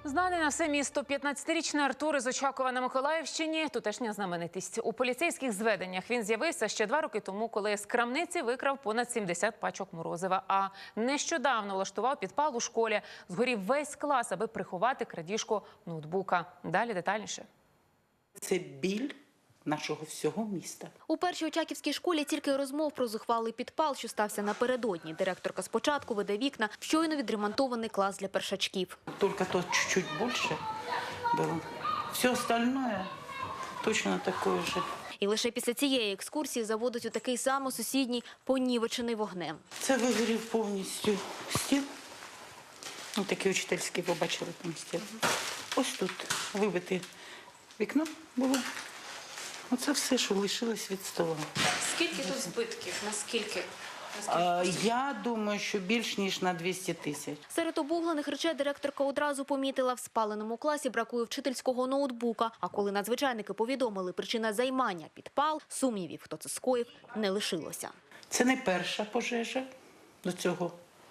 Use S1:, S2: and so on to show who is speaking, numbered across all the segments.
S1: Знаний на все місто 15-річний Артур із Очакова на Миколаївщині – тутешня знаменитість. У поліцейських зведеннях він з'явився ще 2 роки тому, коли з крамниці викрав понад 70 пачок морозива. А нещодавно влаштував підпал у школі. Згорів весь клас, аби приховати крадіжку ноутбука. Далі детальніше.
S2: Це біль нашого всього міста.
S3: У першій очаківській школі тільки розмов про зухвалий підпал, що стався напередодні. Директорка спочатку веде вікна в щойно відремонтований клас для першачків.
S2: Тільки то чуть-чуть більше було. Все остальное точно таке ж.
S3: І лише після цієї екскурсії заводить у такий само сусідній, понівечений вогнем.
S2: Це вигорів повністю стіл. Ось такий учительський, ви бачили там стіл. Ось тут вибите вікно було. Оце все, що лишилось від стола.
S1: Скільки тут збитків? Наскільки?
S2: Я думаю, що більш ніж на 200 тисяч.
S3: Серед обуглених речей директорка одразу помітила, в спаленому класі бракує вчительського ноутбука. А коли надзвичайники повідомили причина займання – підпал, сумнівів, хто це скоїв, не лишилося.
S2: Це не перша пожежа. До цього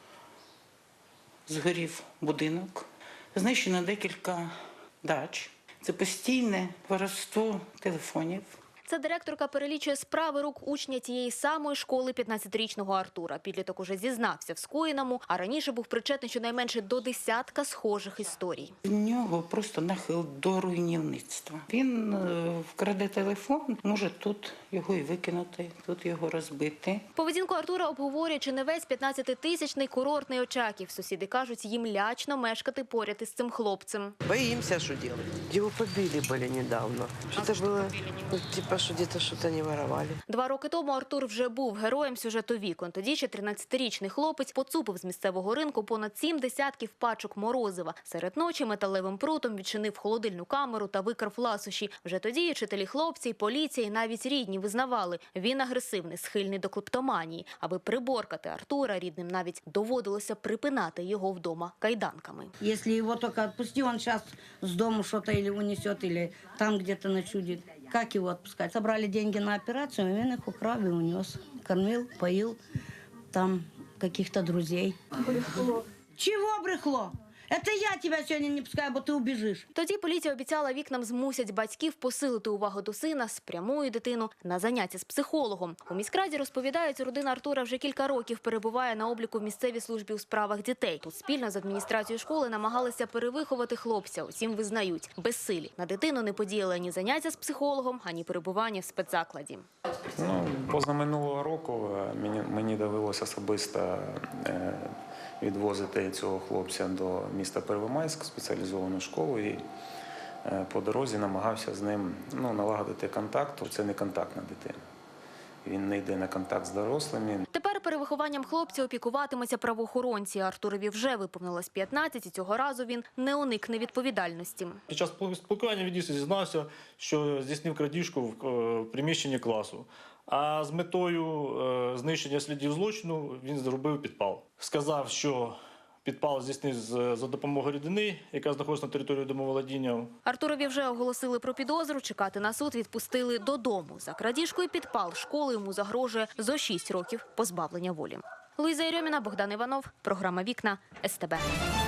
S2: згорів будинок. Знищено декілька дач. Це постійне воровство телефонів.
S3: Ця директорка перелічує справи рук учня тієї самої школи 15-річного Артура. Підліток уже зізнався в скоєному, а раніше був причетний щонайменше до 10 схожих історій.
S2: У нього просто нахил до руйнівництва. Він вкраде телефон, може тут його і викинути, тут його розбити.
S3: Поведінку Артура обговорює чи не весь 15-тисячний курортний Очаків. Сусіди кажуть, їм лячно мешкати поряд із цим хлопцем.
S4: Боимся, что делать. Его побили были недавно. Что-то было, типа, что где-то что-то не воровали.
S3: 2 роки тому Артур вже був героєм сюжету «Вікон». Тоді ще 13-річний хлопець поцупив з місцевого ринку понад 7 десятків пачок морозива. Серед ночі металевим прутом відчинив холодильну камеру та викрав ласощі. Вже тоді і вчителі хлопці, і поліція, і навіть рідні визнавали – він агресивний, схильний до клептоманії. Аби приборкати Артура, рідним навіть доводилося припинати його вдома кайданками.
S5: Если его только отпусти, он сейчас с дому что-то или унесет, или там где-то ночудит. Как его отпускать? Собрали деньги на операцию, и он их украл и унес. Кормил, поил там каких-то друзей. Брехло. Чего брехло? Это я тебя сегодня не пускаю, бо ты убежишь.
S3: Тоді поліція обіцяла, вікнам змусять батьків посилити увагу до сина, спрямують дитину на заняття з психологом. У міськраді розповідають, родина Артура вже кілька років перебуває на обліку в місцевій службі у справах дітей. Тут спільно з адміністрацією школи намагалися перевиховати хлопця. Утім, визнають – безсилі. На дитину не подіяли ані заняття з психологом, ані перебування в спецзакладі.
S6: Позаминулого року мені довелося особисто відвозити цього хлопця до міста Первомайськ, в спеціалізовану школу, і по дорозі намагався з ним налагодити контакт. Це не контактна дитина. Він не йде на контакт з дорослими.
S3: Тепер перевихованням хлопця опікуватимуться правоохоронці. Артурові вже виповнилось 15, і цього разу він не уникне відповідальності.
S7: Під час спілкування він дійсно зізнався, що здійснив крадіжку в приміщенні класу. А з метою знищення слідів злочину він зробив підпал. Сказав, що підпал здійснив за допомогою рідини, яка знаходиться на території домоволодіння.
S3: Артурові вже оголосили про підозру, чекати на суд відпустили додому. За крадіжку і підпал школи йому загрожує зо 6 років позбавлення волі. Луїза Єрьоміна, Богдан Іванов, програма «Вікна», СТБ.